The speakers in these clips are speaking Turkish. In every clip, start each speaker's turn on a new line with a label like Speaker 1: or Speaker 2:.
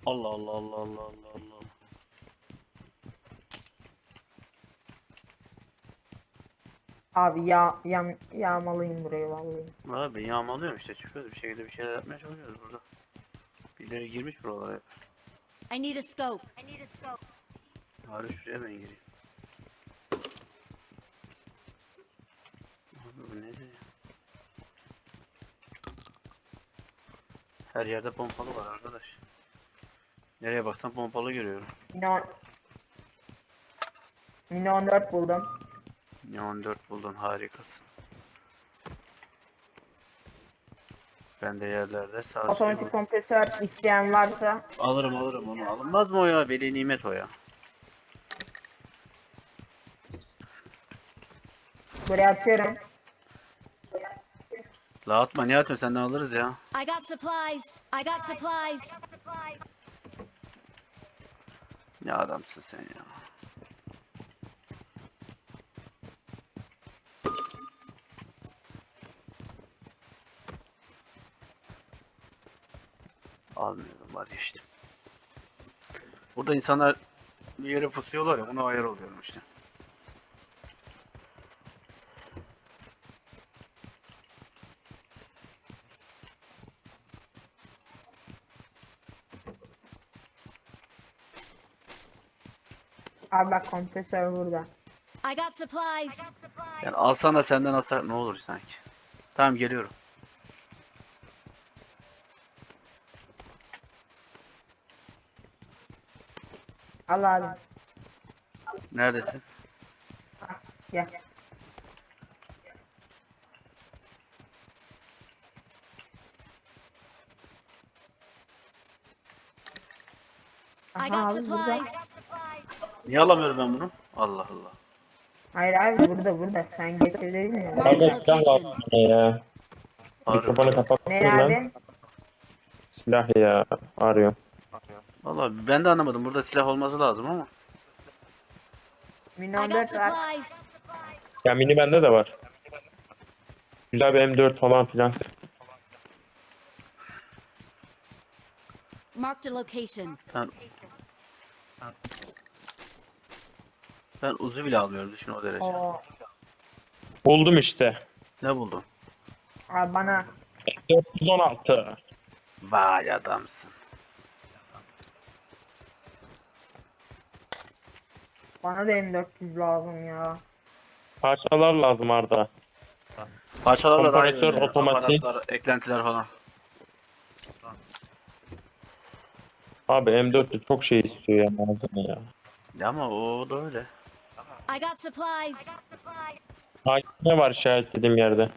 Speaker 1: Allah Allah Allah Allah Allah Allah.
Speaker 2: Abi yağmalıyım burayı vallahi.
Speaker 1: Abi ben yağmalıyorum işte, çıkıyoruz bir şekilde, bir şeyler yapmaya çalışıyoruz burada. Birileri girmiş buralara hep.
Speaker 3: I need a scope.
Speaker 1: Bari şuraya ben gireyim. Abi bu nedir ya? Her yerde pompalı var arkadaş. Nereye baksam pompalı görüyorum.
Speaker 2: Mini 14 buldum.
Speaker 1: Ya 14 buldun, harikasın. Ben de yerlerde sağ
Speaker 2: Otomatik kompresör isteyen varsa
Speaker 1: alırım onu. Alınmaz mı o ya? Veli nimet o ya.
Speaker 2: buraya atıyorum.
Speaker 1: La atma, niye atıyorsun, senden alırız ya.
Speaker 3: I got supplies. I got supplies.
Speaker 1: Ne adamsın sen ya. Almıyorum, vazgeçtim. Burada insanlar bir yere pusuyorlar ya, ona ayar oluyorum işte.
Speaker 2: Abi bak kompresör burada.
Speaker 3: I got supplies.
Speaker 1: Yani alsan da senden alsak ne olur sanki. Tamam, geliyorum.
Speaker 2: Al abi.
Speaker 1: Neredesin?
Speaker 2: Gel.
Speaker 3: I
Speaker 2: Aha
Speaker 3: got
Speaker 2: abi burada.
Speaker 3: supplies.
Speaker 1: Niye alamıyorum ben bunu? Allah Allah.
Speaker 2: Hayır abi burada. Sen getir dedin ya.
Speaker 3: Marked a
Speaker 4: Kardeş silah lazım
Speaker 3: location.
Speaker 4: bana ya. Mikrofonu
Speaker 1: Arıyorum.
Speaker 4: kapattın
Speaker 2: Ne
Speaker 4: lan.
Speaker 2: abi?
Speaker 4: Silah ya. Arıyorum.
Speaker 1: Vallahi ben de anlamadım. Burada silah olması lazım ama.
Speaker 2: Mini
Speaker 3: I got
Speaker 2: 14 var.
Speaker 3: supplies.
Speaker 4: Ya mini bende de var. Güzel bir M4 falan filan.
Speaker 3: Marked a location.
Speaker 1: Ben uzu bile almıyorum, düşün o derece.
Speaker 2: Oo.
Speaker 4: Buldum işte.
Speaker 1: Ne buldun?
Speaker 2: Abi bana
Speaker 4: 416.
Speaker 1: Vay adamsın.
Speaker 2: da M400 lazım ya.
Speaker 4: Parçalar lazım Arda.
Speaker 1: Parçalarla daha iyi
Speaker 4: Kompresör,
Speaker 1: oynuyor.
Speaker 4: otomatik.
Speaker 1: Aparatlar, eklentiler falan.
Speaker 4: Abi M4'te çok şey istiyor ya malzeme ya.
Speaker 1: Ya ama o da öyle.
Speaker 3: I got supplies.
Speaker 4: Ne var işaretlediğim yerde?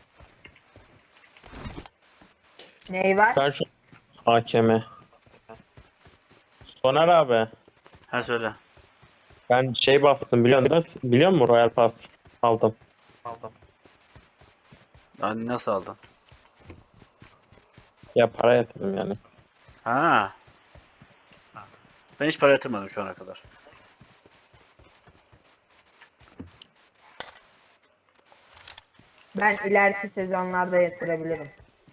Speaker 2: Ney var?
Speaker 4: Ben şu AKM. Soner abi.
Speaker 1: Ha, söyle.
Speaker 4: Ben şey bastım biliyor musun Royal Pass aldım.
Speaker 1: Yani nasıl aldın?
Speaker 4: Ya para yatırdım yani.
Speaker 1: Ha. Ben hiç para yatırmadım şu ana kadar.
Speaker 2: Ben ileriki sezonlarda yatırabilirim.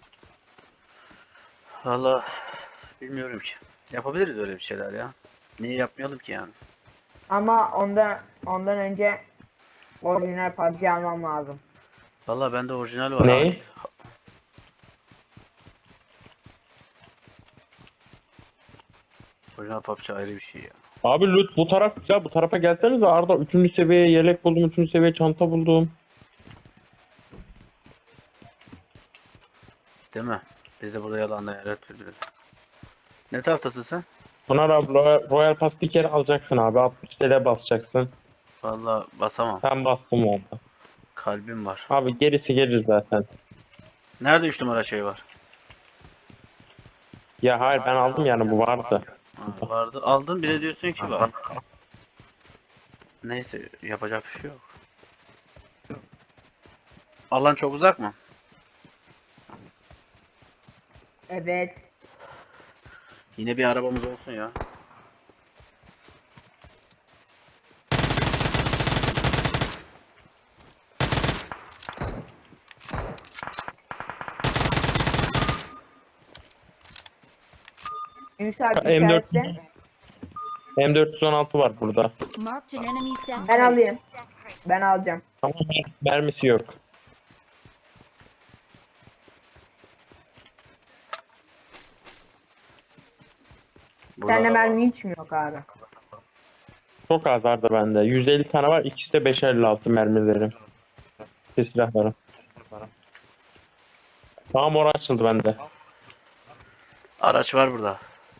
Speaker 1: Valla bilmiyorum ki. Yapabiliriz öyle bir şeyler ya. Niye yapmayalım ki yani?
Speaker 2: Ama ondan önce orijinal PUBG almam lazım.
Speaker 1: Valla bende orijinal var.
Speaker 4: Ne?
Speaker 1: Orijinal PUBG ayrı bir şey ya.
Speaker 4: Abi loot bu taraf güzel. Bu tarafa gelsenize Arda. 3. seviye yelek buldum. 3. seviye çanta buldum.
Speaker 1: Değil mi? Biz de burada yalanla yer türlü. Ne taraftasın sen?
Speaker 4: Soner abi Royal Pass bir kere alacaksın abi. 60 TL basacaksın.
Speaker 1: Valla basamam.
Speaker 4: Ben bastım orada.
Speaker 1: Kalbim var.
Speaker 4: Abi gerisi gelir zaten.
Speaker 1: Nerede 3 numara şey var?
Speaker 4: Ya hayır ben aldım yani bu vardı.
Speaker 1: Ha, vardı. Aldın, bir de diyorsun ki var. Neyse, yapacak bir şey yok. Alan çok uzak mı?
Speaker 2: Evet.
Speaker 1: Yine bir arabamız olsun ya.
Speaker 2: Yunus abi
Speaker 4: M4
Speaker 2: işaretle.
Speaker 4: M416 var burada.
Speaker 3: Marked an enemy's death
Speaker 2: Ben
Speaker 3: rate.
Speaker 2: alayım. Ben alacağım.
Speaker 4: Ama mermisi yok.
Speaker 1: Burada
Speaker 2: Sende
Speaker 1: da var.
Speaker 2: mermi hiç mi yok abi?
Speaker 4: Çok az vardı bende. 150 tane var. İkisi de 556 mermilerim. Silahlarım. Tamam, orası açıldı bende.
Speaker 1: Araç var burada.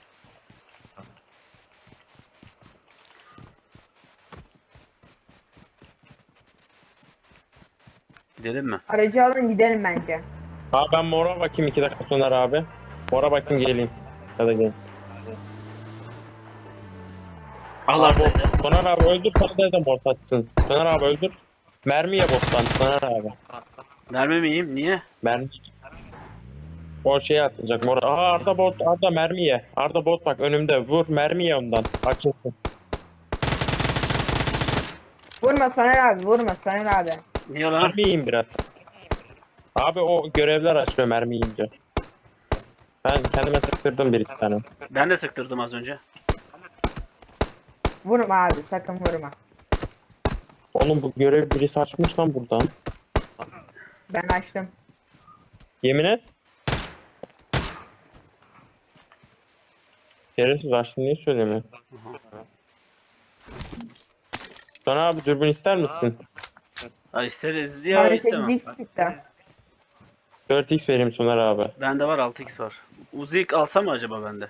Speaker 1: Gidelim mi?
Speaker 2: Aracı alın gidelim bence.
Speaker 4: Abi ben mora bakayım 2 dakika sonra abi. Mora bakayım geleyim. Ya da gelin.
Speaker 1: Allah
Speaker 4: Abi,
Speaker 1: seni.
Speaker 4: Soner abi öldür, sen de mor saçsın. Soner abi öldür. Mermi ye bottan Soner abi.
Speaker 1: Mermi mi yiyeyim? Niye?
Speaker 4: Mermi. O şeye atacak mor. Aha Arda bot, Arda mermi ye. Arda bot bak önümde, vur mermi ye ondan. Açılsın.
Speaker 2: Vurma Soner abi vurma Soner abi.
Speaker 1: Niye lan?
Speaker 4: Mermi yiyin biraz. Abi o görevler açıyor mermi yiyince. Ben kendime sıktırdım bir iki tane.
Speaker 1: Ben de sıktırdım az önce.
Speaker 2: Vurma abi sakın vurma.
Speaker 4: Oğlum bu görev birisi açmış lan buradan.
Speaker 2: Ben açtım.
Speaker 4: Yemin et. Şerefsiz açtın, niye söylemiyorsun? Sonra abi dürbün ister misin?
Speaker 1: Ha isteriz ya
Speaker 2: Bana
Speaker 1: istemem.
Speaker 2: 8x çıktı.
Speaker 4: 4x vereyim Soner abi.
Speaker 1: Bende var 6x var. Uzik alsam mı acaba bende?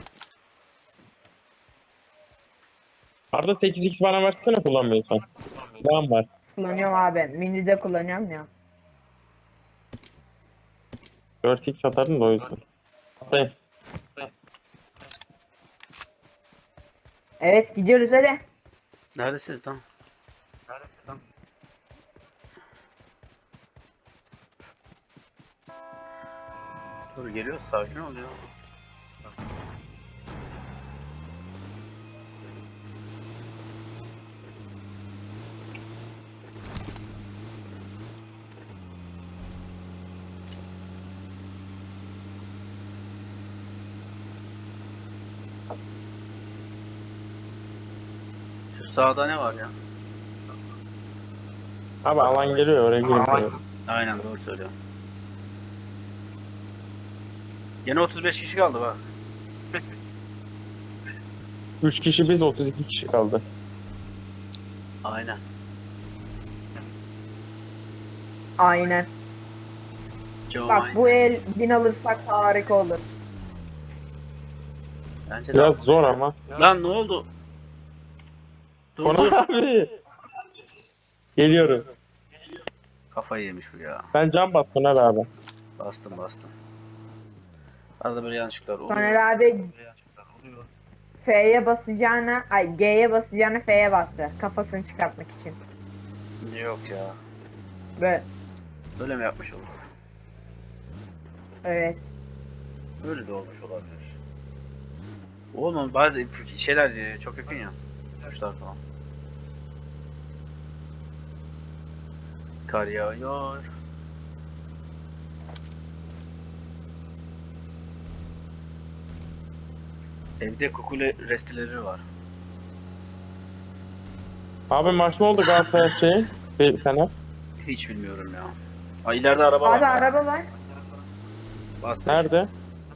Speaker 4: Arada 8x bana versene kullanmıyorsan. Silahım var.
Speaker 2: Kullanıyorum abi. Mini de kullanıyorum ya.
Speaker 4: 4x atarım da o yüzden. Atayım.
Speaker 2: Evet gidiyoruz hadi.
Speaker 1: Neredesiniz lan? Dur geliyor, sakin ol ya. Şu sağda ne var ya?
Speaker 4: Abi alan geliyor, oraya gireyim.
Speaker 1: Aynen doğru söylüyor. Yine 35 kişi kaldı bak.
Speaker 4: 3 kişi biz, 32 kişi kaldı.
Speaker 1: Aynen.
Speaker 2: Aynen.
Speaker 1: Joe
Speaker 2: Bak
Speaker 1: aynen.
Speaker 2: bu el 1000 alırsak harika olur.
Speaker 1: Bence de.
Speaker 4: Biraz zor ama.
Speaker 1: Lan ne oldu? Dur
Speaker 4: Soner
Speaker 1: dur.
Speaker 4: abi. Geliyorum.
Speaker 1: Kafayı yemiş bu ya.
Speaker 4: Ben cam bas Soner abi.
Speaker 1: Bastım bastım. Arada böyle yanlışlıklar oluyor.
Speaker 2: Soner abi F'ye basacağına, ay G'ye basacağına F'ye bastı. Kafasını çıkartmak için.
Speaker 1: Yok ya.
Speaker 2: Böyle.
Speaker 1: Böyle mi yapmış olur?
Speaker 2: Evet.
Speaker 1: Böyle de olmuş olabilir. Oğlum bazı şeyler çok yakın ya. Kuşlar falan. Kar yağıyor. Evde kukule restileri var.
Speaker 4: Abi maç ne oldu Galatasaray şeyi? Bir sene.
Speaker 1: Hiç bilmiyorum ya. Aa, ileride araba
Speaker 2: Abi
Speaker 1: var.
Speaker 2: araba var.
Speaker 1: Bas.
Speaker 4: Nerede?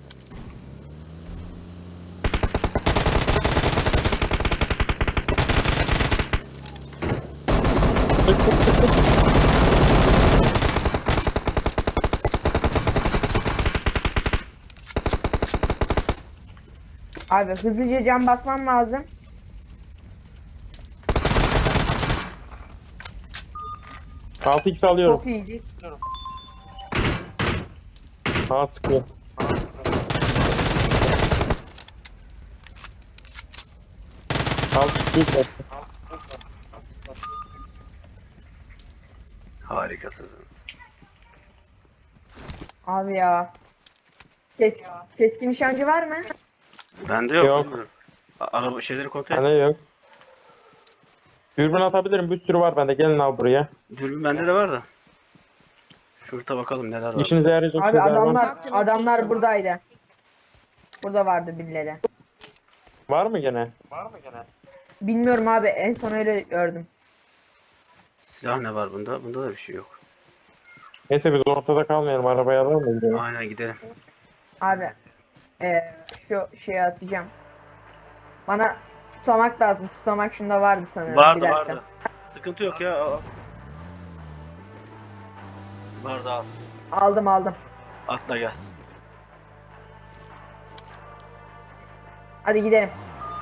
Speaker 2: Abi hızlıca cam basmam lazım.
Speaker 4: Altı x alıyorum.
Speaker 2: Çok iyiydi.
Speaker 4: Sağa sıkıyor. Altı x.
Speaker 1: Harikasınız.
Speaker 2: Abi ya. Keskin nişancı var mı?
Speaker 1: Bende yok.
Speaker 4: Yok.
Speaker 1: bilmiyorum. Araba şeyleri kontrol et.
Speaker 4: Bende yok. Dürbün atabilirim. Bir sürü var bende. Gelin abi buraya.
Speaker 1: Dürbün bende de var da. Şurada bakalım neler var.
Speaker 4: İşinize yarayacak
Speaker 2: Abi
Speaker 4: şeyler var.
Speaker 2: adamlar buradaydı. Burada vardı birileri.
Speaker 4: Var mı gene?
Speaker 2: Bilmiyorum abi, en son öyle gördüm.
Speaker 1: Silah ne var bunda? Bunda da bir şey yok.
Speaker 4: Neyse biz ortada kalmayalım. Arabaya alalım mı gidelim?
Speaker 1: Aynen gidelim.
Speaker 2: Abi şu şeyi atacağım. Bana tutamak lazım. Tutamak şunda vardı sanırım.
Speaker 1: Vardı
Speaker 2: Bir dakika.
Speaker 1: vardı. Sıkıntı yok ya. Al. Vardı al.
Speaker 2: Aldım.
Speaker 1: Atla gel.
Speaker 2: Hadi gidelim.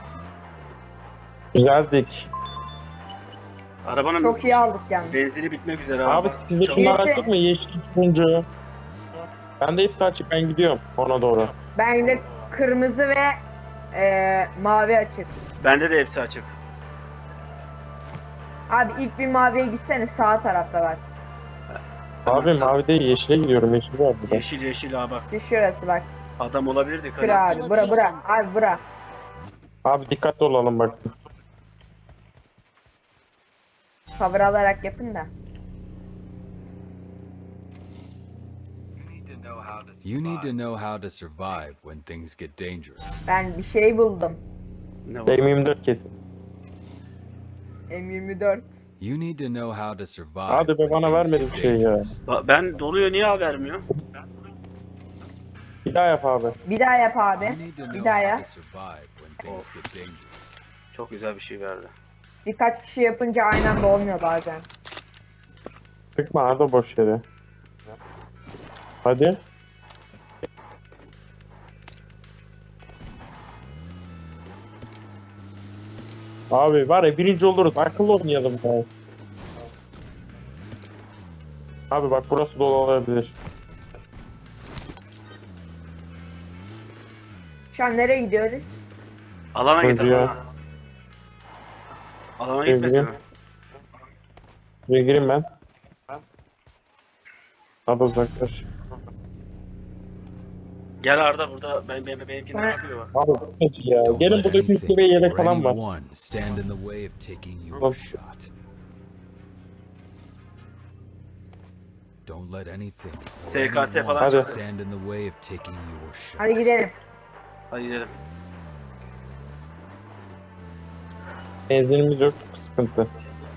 Speaker 4: Geldik.
Speaker 1: Arabanın
Speaker 2: Çok iyi aldık yani.
Speaker 1: benzini bitmek üzere
Speaker 4: Abi sizde
Speaker 1: Çabuk.
Speaker 4: şunlar
Speaker 2: Neyse.
Speaker 4: açık mı? Yeşil, turuncu. Bende hepsi açık. Ben gidiyorum ona doğru.
Speaker 2: Ben de kırmızı ve mavi açık.
Speaker 1: Bende de hepsi açık.
Speaker 2: Abi ilk bir maviye gitsene, sağ tarafta var.
Speaker 4: Abi
Speaker 1: Tamam,
Speaker 4: mavi değil yeşile gidiyorum. Yeşil var burada.
Speaker 1: Yeşil yeşil ha bak.
Speaker 2: İşte şurası bak.
Speaker 1: Adam olabilir dikkat
Speaker 2: Şura
Speaker 1: et.
Speaker 2: abi. Bura. Abi bura.
Speaker 4: Abi dikkatli olalım bak.
Speaker 2: Cover alarak yapın da.
Speaker 5: You need to know how to survive when things get dangerous.
Speaker 2: Ben bir şey buldum.
Speaker 1: Ne var?
Speaker 4: M24 kesin.
Speaker 2: M24.
Speaker 5: You need to know how to survive.
Speaker 4: Hadi be,
Speaker 5: when
Speaker 4: bana
Speaker 5: things
Speaker 4: vermedi
Speaker 5: get
Speaker 4: bir şey ya.
Speaker 5: dangerous.
Speaker 1: Ben doluyor niye haber vermiyor?
Speaker 4: Bir daha yap abi.
Speaker 2: Bir daha yap
Speaker 5: You
Speaker 2: abi.
Speaker 5: need to
Speaker 2: Bir
Speaker 5: know
Speaker 2: daha
Speaker 5: how
Speaker 2: yap.
Speaker 5: to survive when things get dangerous.
Speaker 1: Çok güzel bir şey verdi.
Speaker 2: Birkaç kişi yapınca aynı anda olmuyor bazen.
Speaker 4: Sıkma Arda boş yere. Hadi. Abi var ya birinci oluruz. Akıllı oynayalım ya. Abi bak burası dolu olabilir.
Speaker 2: Şu an nereye gidiyoruz?
Speaker 1: Alana git
Speaker 4: Hadi ya.
Speaker 1: alana. Alana gitmesin
Speaker 4: Sevgilim.
Speaker 1: mi?
Speaker 4: Buraya gireyim ben. Abi uzaklaş.
Speaker 1: Gel Arda burada benimkinden
Speaker 2: Ben-
Speaker 1: çıkıyor bak.
Speaker 4: Abi bu ne ya?
Speaker 5: Don't
Speaker 4: Gelin
Speaker 5: let
Speaker 4: burada
Speaker 5: anything
Speaker 4: üstü ve yelek
Speaker 5: or
Speaker 4: falan var.
Speaker 5: anyone stand in the way of taking your
Speaker 4: Of.
Speaker 5: shot. Don't let anything or
Speaker 1: SKS
Speaker 5: anyone
Speaker 1: falan
Speaker 4: Hadi.
Speaker 5: stand in the way of taking your shot.
Speaker 2: Hadi gidelim.
Speaker 1: Hadi gidelim.
Speaker 4: Benzinimiz yok. Sıkıntı.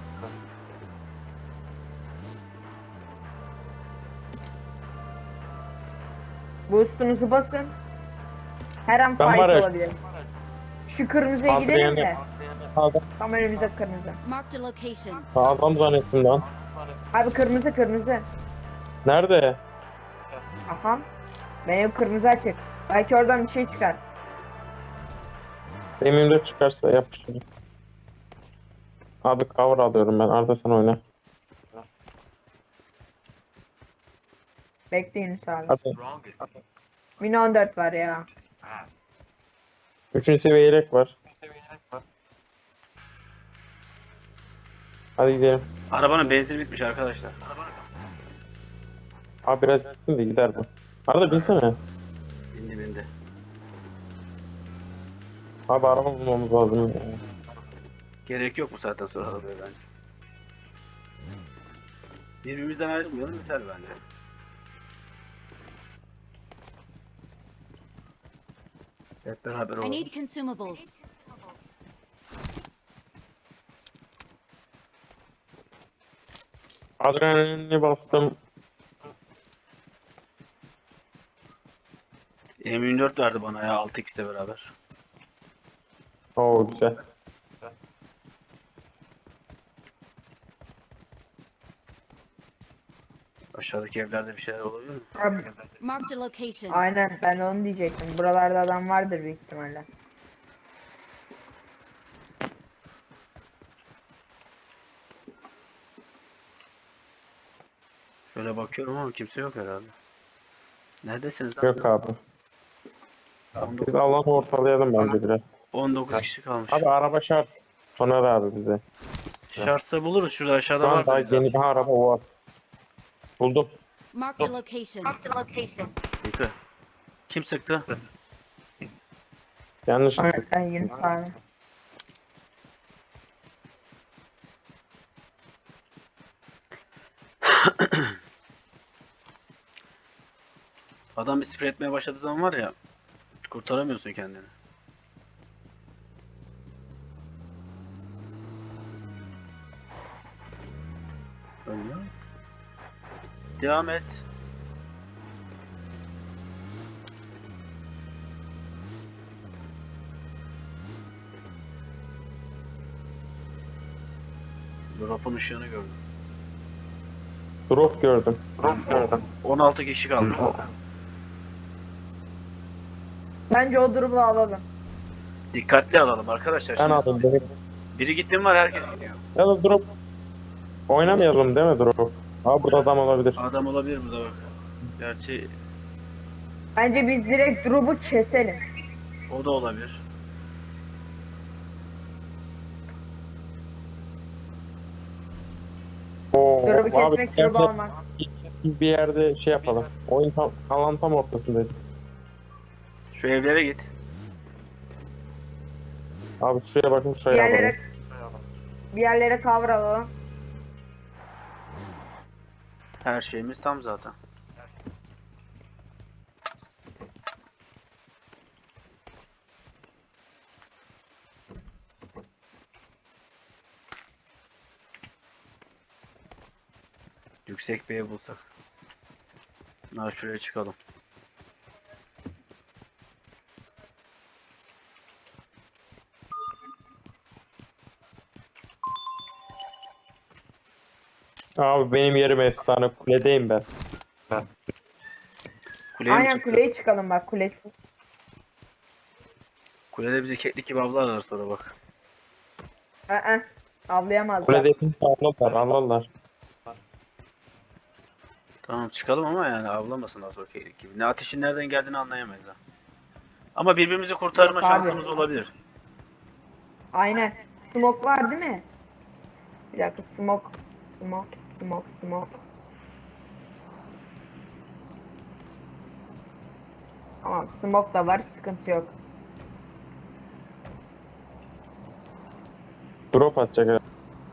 Speaker 2: Boost'unuzu basın. Her an
Speaker 4: Ben
Speaker 2: fight
Speaker 4: var ya-
Speaker 2: olabilir. Şu kırmızıya
Speaker 4: Abi
Speaker 2: gidelim
Speaker 4: yani-
Speaker 2: de.
Speaker 4: Sağdan,
Speaker 2: Tam önümüzde kırmızı.
Speaker 3: Marked a location.
Speaker 4: sağdan zannettim lan.
Speaker 2: Abi kırmızı.
Speaker 4: Nerede?
Speaker 2: Aha. Benim kırmızı açık. Belki oradan bir şey çıkar.
Speaker 4: M24 çıkarsa yap şunu. Abi cover alıyorum ben. Arda sen oyna.
Speaker 2: Bekleyin Yunus abi.
Speaker 4: Hadi.
Speaker 2: Min 14 var ya.
Speaker 4: 3. seviye yelek var. Hadi gidelim.
Speaker 1: Arabanın benzini bitmiş arkadaşlar.
Speaker 4: Abi biraz gitsin de gider bu. Arda binsene.
Speaker 1: Bindi.
Speaker 4: Abi araba bulmamız lazım. Ya.
Speaker 1: Gerek yok bu saatten sonra arabaya bence. Birbirimizden ayrılmayalım yeter bence. Hep beraber
Speaker 3: I
Speaker 1: olalım.
Speaker 3: need consumables.
Speaker 4: Adrenalini bastım.
Speaker 1: M24 verdi bana ya 6x'le beraber.
Speaker 4: Oo güzel.
Speaker 1: Aşağıdaki evlerde bir şeyler olabilir mi?
Speaker 2: Abi,
Speaker 3: Marked a location.
Speaker 2: aynen ben onu diyecektim. Buralarda adam vardır büyük ihtimalle.
Speaker 1: Şöyle bakıyorum ama kimse yok herhalde. Neredesiniz lan?
Speaker 4: Yok abi.
Speaker 1: 19,
Speaker 4: Biz alanı ortalayalım bence biraz.
Speaker 1: 19 kişi kalmış.
Speaker 4: Abi araba şart. Soner abi bize.
Speaker 1: Şartsa buluruz şurada
Speaker 4: Şu
Speaker 1: aşağıda
Speaker 4: an
Speaker 1: var.
Speaker 4: daha
Speaker 1: bizde.
Speaker 4: yeni bir araba var. Buldum.
Speaker 3: Marked a location.
Speaker 1: Yıkı. Kim sıktı?
Speaker 4: Yanlış.
Speaker 2: Aynen Yunus abi.
Speaker 1: Adam bir sprey etmeye başladığı zaman var ya kurtaramıyorsun kendini. Öyle. Devam et. Drop'un ışığını gördüm.
Speaker 4: Drop gördüm.
Speaker 1: 16 kişi kaldı.
Speaker 2: Bence o durumu alalım.
Speaker 1: Dikkatli alalım arkadaşlar.
Speaker 4: Ben
Speaker 1: Şimdi
Speaker 4: aldım. Beni.
Speaker 1: biri gitti mi var, herkes gidiyor.
Speaker 4: Ya da drop. Oynamayalım değil mi drop? Aa burada adam olabilir.
Speaker 1: Adam olabilir burada bak. Gerçi
Speaker 2: Bence biz direkt drop'u keselim.
Speaker 1: o da olabilir.
Speaker 4: Oo,
Speaker 2: Drop'u
Speaker 4: abi,
Speaker 2: kesmek
Speaker 4: yerde-
Speaker 2: drop'u almak.
Speaker 4: bir yerde şey yapalım. Oyun tam, alan tam ortasındayız.
Speaker 1: Şu evlere git.
Speaker 4: Abi şuraya bakın
Speaker 2: Bir
Speaker 4: şuraya alalım.
Speaker 2: yerlere bir yerlere cover alalım.
Speaker 1: Her şeyimiz tam zaten. Yüksek bir ev bulsak. Ha, şuraya çıkalım.
Speaker 4: Abi benim yerim efsane. Kuledeyim ben.
Speaker 1: Kuleye mi
Speaker 2: Aynen
Speaker 1: çıktık?
Speaker 2: kuleye çıkalım bak kulesi.
Speaker 1: Kulede bizi keklik gibi avlarlar sonra bak.
Speaker 2: Avlayamazlar.
Speaker 4: Kuledeyim alırlar.
Speaker 1: Tamam çıkalım ama yani avlamasınlar sonra keklik gibi. Ne ateşin nereden geldiğini anlayamayız ha. Ama birbirimizi kurtarma
Speaker 2: Yok abi.
Speaker 1: şansımız olabilir.
Speaker 2: Aynen. Smoke var değil mi? Bir dakika smoke. Smoke. Tamam smoke da var sıkıntı yok.
Speaker 4: Drop atacak herhalde.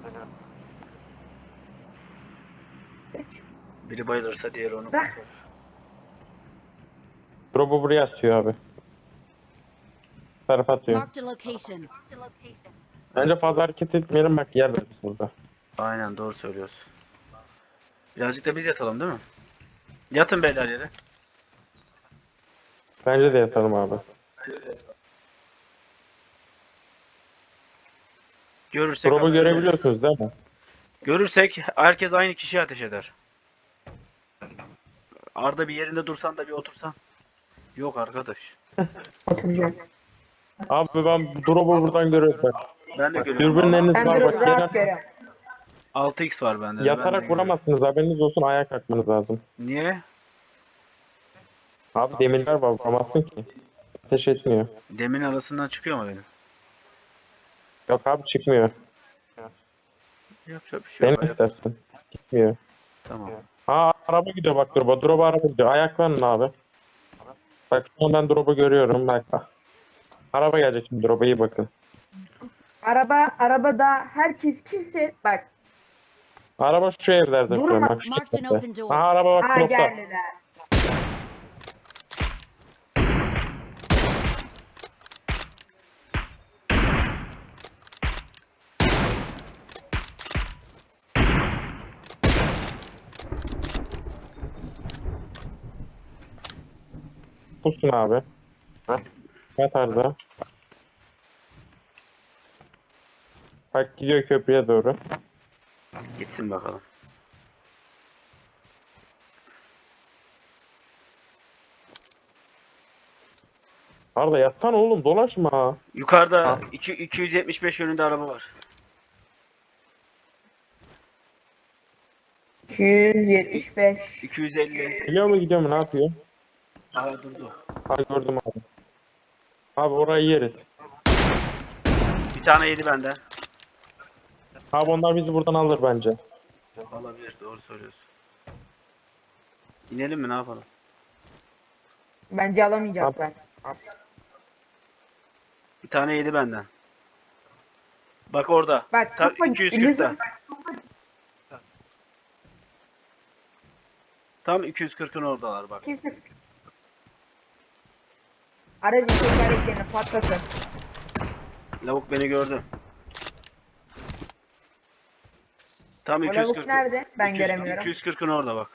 Speaker 1: Biri bayılırsa diğeri onu
Speaker 2: Dah.
Speaker 1: kurtarır.
Speaker 4: Drop'u buraya atıyor abi. Tarafa atıyor.
Speaker 3: Marked a location.
Speaker 4: Bence fazla hareket etmeyelim bak yer veririz burada.
Speaker 1: Aynen doğru söylüyorsun. Birazcık da biz yatalım değil mi? Yatın beyler yere.
Speaker 4: Bence de yatalım abi.
Speaker 1: Görürsek
Speaker 4: Drop'u
Speaker 1: haber veririz.
Speaker 4: görebiliyorsunuz değil mi?
Speaker 1: Görürsek herkes aynı kişiye ateş eder. Arda bir yerinde dursan da bir otursan. Yok arkadaş.
Speaker 2: Oturacağım.
Speaker 4: Abi ben drop'u buradan görüyorum bak.
Speaker 1: Ben de görüyorum.
Speaker 4: Dürbünleriniz
Speaker 2: Ben
Speaker 4: var
Speaker 2: de
Speaker 4: bak.
Speaker 2: rahat
Speaker 4: Yere,
Speaker 2: görüyorum.
Speaker 1: 6x var bende. de, ben de
Speaker 4: yatarak
Speaker 1: görüyorum.
Speaker 4: vuramazsınız haberiniz olsun ayağa kalkmanız lazım.
Speaker 1: Niye?
Speaker 4: Abi demirler var vuramazsın ki. Ateş etmiyor.
Speaker 1: Demin arasından çıkıyor mu benim?
Speaker 4: Yok abi çıkmıyor.
Speaker 1: Yapacak bir şey yok.
Speaker 4: Benim istersen. Gitmiyor.
Speaker 1: Tamam.
Speaker 4: Ha araba gidiyor bak drop'a. Drop'a araba gidiyor. Ayaklanın abi. Bak şu an ben drop'u görüyorum bak. Araba gelecek şimdi drop'a iyi bakın.
Speaker 2: Arabada herkes kimse bak.
Speaker 4: Araba şu evlerde
Speaker 2: Durma,
Speaker 4: duruyor bak şu
Speaker 3: marked an
Speaker 4: evlerde.
Speaker 3: open door.
Speaker 4: Ha araba bak
Speaker 2: Aa
Speaker 4: drop'ta.
Speaker 2: geldiler.
Speaker 4: Pusun abi. Yat Arda. Bak gidiyor köprüye doğru.
Speaker 1: Gitsin bakalım.
Speaker 4: Arda yatsana oğlum dolaşma.
Speaker 1: Yukarıda 275 yönünde araba var.
Speaker 2: 275.
Speaker 1: 250.
Speaker 4: Gidiyor mu ne yapıyor?
Speaker 1: Aa durdu.
Speaker 4: Ha gördüm abi. Abi orayı yeriz.
Speaker 1: Bir tane yedi benden.
Speaker 4: Abi onlar bizi buradan alır bence.
Speaker 1: Olabilir, doğru söylüyorsun. İnelim mi, ne yapalım?
Speaker 2: Bence alamayacaklar.
Speaker 1: Bir tane yedi benden. Bak orada.
Speaker 2: Bak
Speaker 1: Tam
Speaker 2: kafa
Speaker 1: 240'ta. Tam 240'ın oradalar bak.
Speaker 2: Kimse. Aracın tekerleklerini patlatın.
Speaker 1: Lavuk beni gördü. Tam
Speaker 2: O lavuk
Speaker 1: 240.
Speaker 2: nerede? Ben
Speaker 1: 200
Speaker 2: göremiyorum.
Speaker 1: 240'ın orada bak.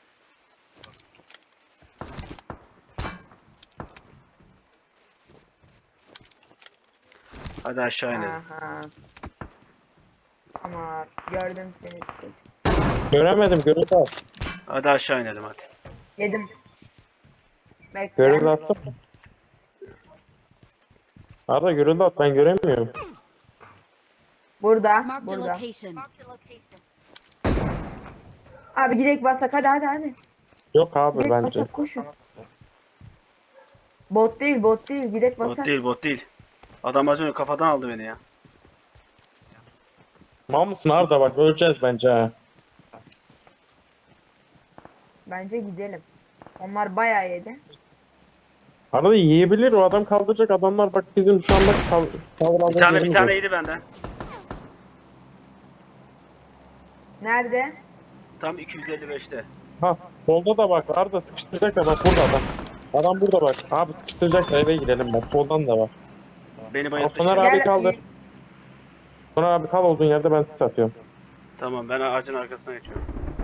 Speaker 1: Hadi aşağı inelim.
Speaker 2: Aha. Ama gördüm seni.
Speaker 4: Göremedim. Görüldü at.
Speaker 1: Hadi aşağı inelim hadi.
Speaker 2: Yedim. Bekle.
Speaker 4: Görüldü attın mı? Arda görüldü at. Ben göremiyorum.
Speaker 2: Burada.
Speaker 3: Marked a
Speaker 2: Burada.
Speaker 3: location.
Speaker 2: Abi gidek basak hadi.
Speaker 4: Yok abi
Speaker 2: Gidek
Speaker 4: bence.
Speaker 2: basak koşun. Bot değil gidek
Speaker 1: Bot
Speaker 2: basak.
Speaker 1: değil bot değil. Adam az önce kafadan aldı beni ya.
Speaker 4: Mal mısın Arda bak öleceğiz bence ha.
Speaker 2: Bence gidelim. Onlar bayağı yedi.
Speaker 4: Arada yiyebilir o adam kaldıracak adamlar bak bizim şu anda kaldıralım.
Speaker 1: Bir tane yedi benden.
Speaker 2: Nerede?
Speaker 1: Tam 255'te.
Speaker 4: Ha solda da bak Arda sıkıştıracak da bak burada adam. Adam burada bak. Abi sıkıştıracak da eve gidelim bak soldan da var.
Speaker 1: Beni bayılttı
Speaker 4: Soner
Speaker 1: şimdi.
Speaker 4: abi kaldır. Soner abi kal olduğun yerde ben sizi atıyorum.
Speaker 1: Tamam ben ağacın arkasına geçiyorum.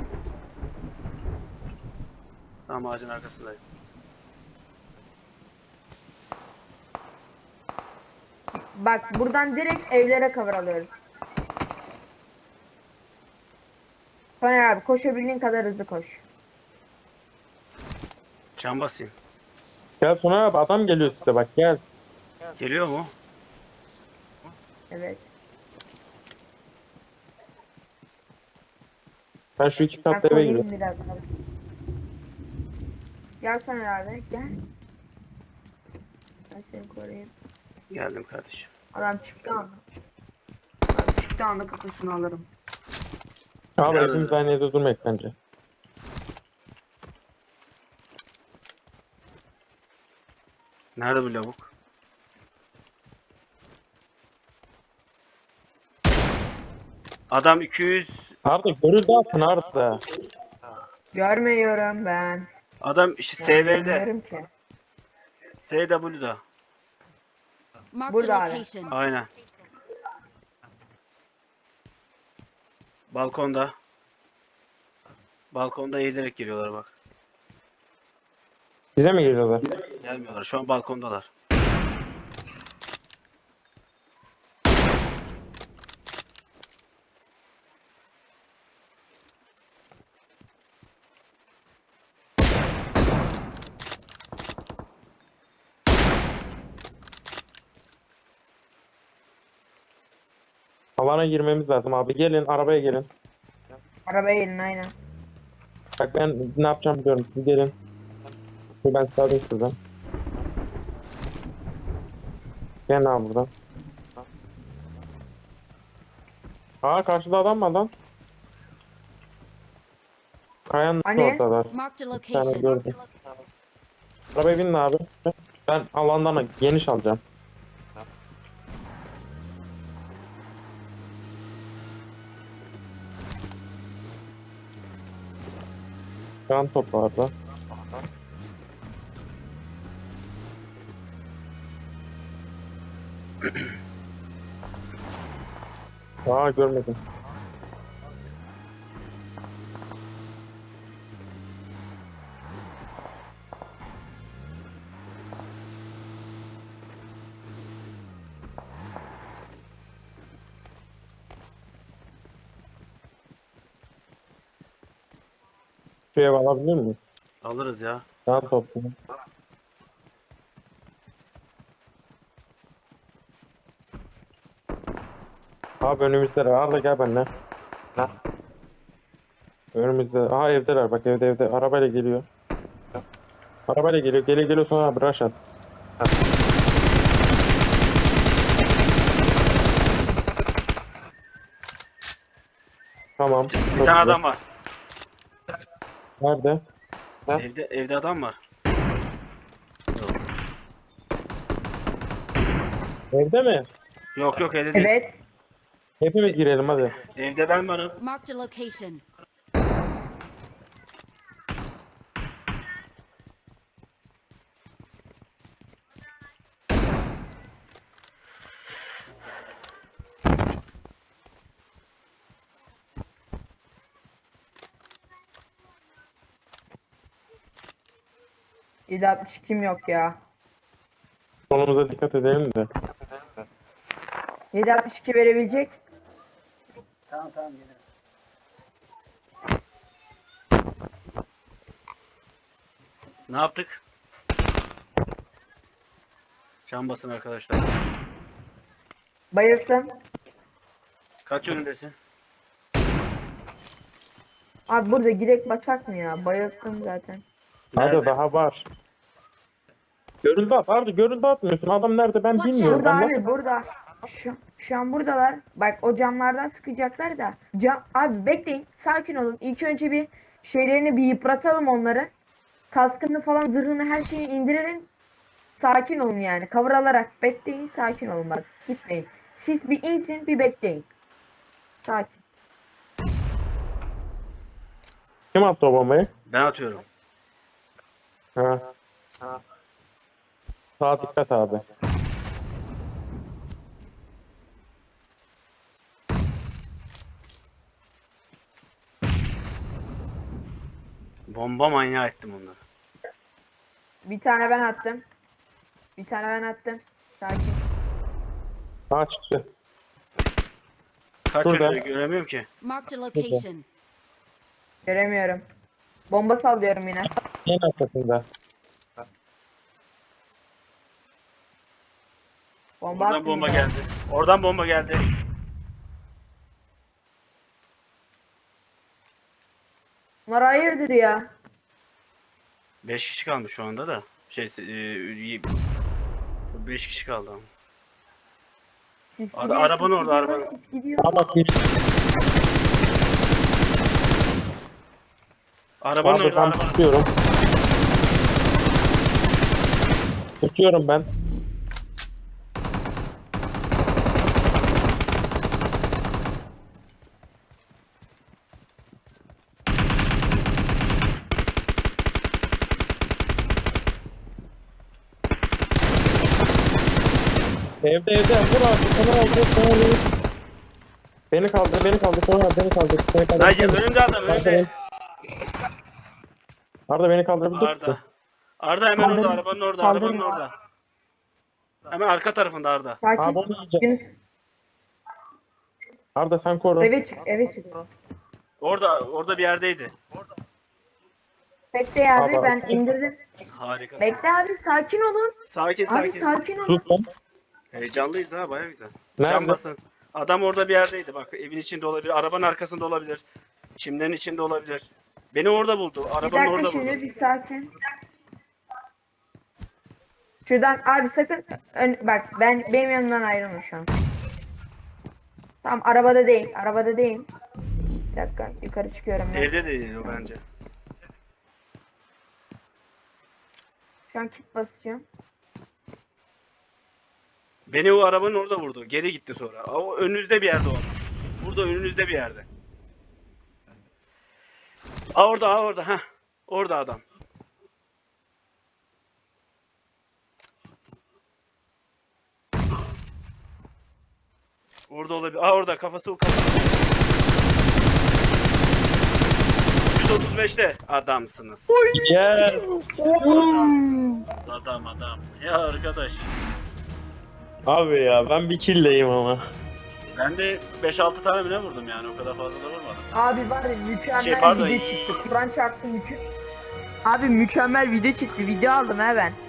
Speaker 1: Tamam ağacın arkasındayım.
Speaker 2: Bak buradan direkt evlere cover alıyoruz. Soner abi koşabildiğin kadar hızlı koş.
Speaker 1: Can basayım.
Speaker 4: Gel Soner abi adam geliyor size bak gel.
Speaker 1: Geliyor mu?
Speaker 2: Evet.
Speaker 4: Ben şu iki
Speaker 2: Ben
Speaker 4: katlı eve
Speaker 2: koruyayım
Speaker 4: gidiyorum.
Speaker 2: biraz. Gel Soner abi gel. Ben seni koruyayım.
Speaker 1: Geldim kardeşim.
Speaker 2: Adam çıktı anda. Adam çıktı anda kafasını alırım.
Speaker 4: Abi
Speaker 1: Nerede?
Speaker 4: hepimiz aynı yerde durmayız bence.
Speaker 1: Nerede bu lavuk? Adam 200.
Speaker 4: Arda görüldü atın Arda.
Speaker 2: Görmüyorum ben.
Speaker 1: Adam işte SV'de.
Speaker 2: Görmüyorum ki.
Speaker 1: SW'da.
Speaker 3: Marked
Speaker 2: Burada
Speaker 3: a
Speaker 2: abi.
Speaker 3: location.
Speaker 1: Aynen. Balkonda. Balkonda eğilerek geliyorlar bak.
Speaker 4: Bize mi geliyorlar?
Speaker 1: Gelmiyorlar. Şu an balkondalar.
Speaker 4: Alana girmemiz lazım abi. Gelin arabaya gelin.
Speaker 2: Arabaya gelin aynen.
Speaker 4: Bak ben ne yapacağım biliyorum. Siz gelin. Dur ben size alayım şuradan. Gel abi buradan. Aa karşıda adam var lan. Kayanın
Speaker 2: Hani?
Speaker 4: oradalar.
Speaker 3: Marked a
Speaker 4: Bir tane
Speaker 3: location.
Speaker 4: gördüm. Arabaya binin abi. Ben alandan geniş alacağım. Can toplarda. Aa görmedim. Şu ev alabilir miyiz?
Speaker 1: Alırız ya.
Speaker 4: Can toplu. Abi önümüzde Arda gel benimle. Önümüzde. Aha evdeler bak evde. Arabayla geliyor. Arabayla geliyor. Geliyor sonra abi rush at. Tamam.
Speaker 1: Bir
Speaker 4: çok
Speaker 1: tane
Speaker 4: güzel.
Speaker 1: adam var.
Speaker 4: Nerede? Ha?
Speaker 1: Evde adam var.
Speaker 4: Evde mi?
Speaker 1: Yok evde değil.
Speaker 2: Evet.
Speaker 4: Hepimiz girelim hadi.
Speaker 1: Evde ben varım.
Speaker 3: Marked a location.
Speaker 2: 7.62'm yok ya.
Speaker 4: Sonumuza dikkat edelim de.
Speaker 2: 7.62 verebilecek.
Speaker 1: Tamam gelirim. Ne yaptık? Can basın arkadaşlar.
Speaker 2: Bayılttım.
Speaker 1: Kaç önündesin?
Speaker 2: Abi burada girek basak mı ya? Bayılttım zaten.
Speaker 4: Hadi
Speaker 1: Nerede?
Speaker 4: daha var. Görüldü at. Arda görüldü atmıyorsun. Adam nerede ben
Speaker 3: Watch
Speaker 4: bilmiyorum.
Speaker 2: Burada
Speaker 4: Ben
Speaker 2: abi
Speaker 4: nasıl...
Speaker 2: burada. Şu an buradalar. Bak o camlardan sıkacaklar da. Abi bekleyin. Sakin olun. İlk önce bir şeylerini bir yıpratalım onları. Kaskını falan zırhını her şeyi indirelim. Sakin olun yani. Cover alarak bekleyin. Sakin olun bak. Gitmeyin. Siz bir insin bir bekleyin. Sakin.
Speaker 4: Kim attı o bombayı?
Speaker 1: Ben atıyorum.
Speaker 4: Ha. Sağa dikkat abi.
Speaker 1: Bomba manyağı ettim onları.
Speaker 2: Bir tane ben attım. Bir tane ben attım. Sakin.
Speaker 4: Sağa çıktı.
Speaker 1: Kaç
Speaker 4: Şurada.
Speaker 1: önünde göremiyorum ki.
Speaker 3: Marked a location.
Speaker 2: Göremiyorum. Bomba sallıyorum yine.
Speaker 4: En arkasında.
Speaker 2: Bomba
Speaker 1: Oradan
Speaker 2: attım
Speaker 1: bomba
Speaker 2: yine.
Speaker 1: geldi. Oradan bomba geldi.
Speaker 2: Bunlar hayırdır ya.
Speaker 1: 5 kişi kalmış şu anda da. 5 kişi kaldı ama.
Speaker 2: Siz
Speaker 1: Abi,
Speaker 2: gidiyor,
Speaker 1: arabanın
Speaker 2: siz
Speaker 1: orada,
Speaker 2: gidiyor,
Speaker 1: arabanın.
Speaker 2: siz gidiyor.
Speaker 4: Ama bir
Speaker 1: Arabanın
Speaker 4: abi
Speaker 1: orada,
Speaker 4: ben
Speaker 1: arabanın.
Speaker 4: tutuyorum. Tutuyorum ben. Evde vur abi sana aldı sana aldı. Beni kaldır beni kaldır sonra beni kaldır. Beni kaldır.
Speaker 1: Hayır önümde adam önümde.
Speaker 4: Arda beni kaldırabilir misin?
Speaker 1: Arda. Arda hemen orada,
Speaker 2: Kaldırın.
Speaker 1: arabanın orada,
Speaker 2: Kaldırın.
Speaker 1: arabanın orada. Hemen arka tarafında Arda.
Speaker 4: Abi
Speaker 2: Sakin.
Speaker 4: onu yiyeceğim.
Speaker 2: Yunus
Speaker 4: Arda sen koru.
Speaker 2: eve çık, eve çık.
Speaker 1: Orada bir yerdeydi.
Speaker 2: Bekle abi
Speaker 4: Abi,
Speaker 2: ben
Speaker 4: sen-
Speaker 2: indirdim.
Speaker 1: Harika.
Speaker 2: Bekle abi sakin olun.
Speaker 1: Sakin
Speaker 2: Abi
Speaker 1: sakin.
Speaker 2: sakin olun.
Speaker 4: Sus lan.
Speaker 1: Heyecanlıyız ha, baya güzel.
Speaker 4: Nerede?
Speaker 1: Can basın. Adam orada bir yerdeydi bak, evin içinde olabilir, arabanın arkasında olabilir. Çimlerin içinde olabilir. Beni orada buldu.
Speaker 2: Bir
Speaker 1: Arabanın
Speaker 2: dakika
Speaker 1: orada
Speaker 2: şimdi
Speaker 1: buldu.
Speaker 2: bir sakin. Şuradan abi sakın bak benim yanımdan ayrılma şu an. Tamam arabada değil, arabada değil. Bir dakika yukarı çıkıyorum ben.
Speaker 1: Evde değil o bence.
Speaker 2: Şu an kit basıyorum.
Speaker 1: Beni o arabanın orada vurdu. Geri gitti sonra. O önünüzde bir yerde o. Burada önünüzde bir yerde. Orada. Heh. Orada adam. Orada olabilir. Orada kafası o kafası. 135'te adamsınız.
Speaker 4: Gel.
Speaker 1: Adamsınız. Adam. Ya arkadaş.
Speaker 4: Abi ya ben bir killleyim ama.
Speaker 1: Ben de 5-6 tane bile vurdum yani. O kadar fazla da vurmadım.
Speaker 2: Abi var ya mükemmel
Speaker 1: Pardon.
Speaker 2: video çıktı. Kur'an çarptı Abi mükemmel video çıktı. Video aldım he ben.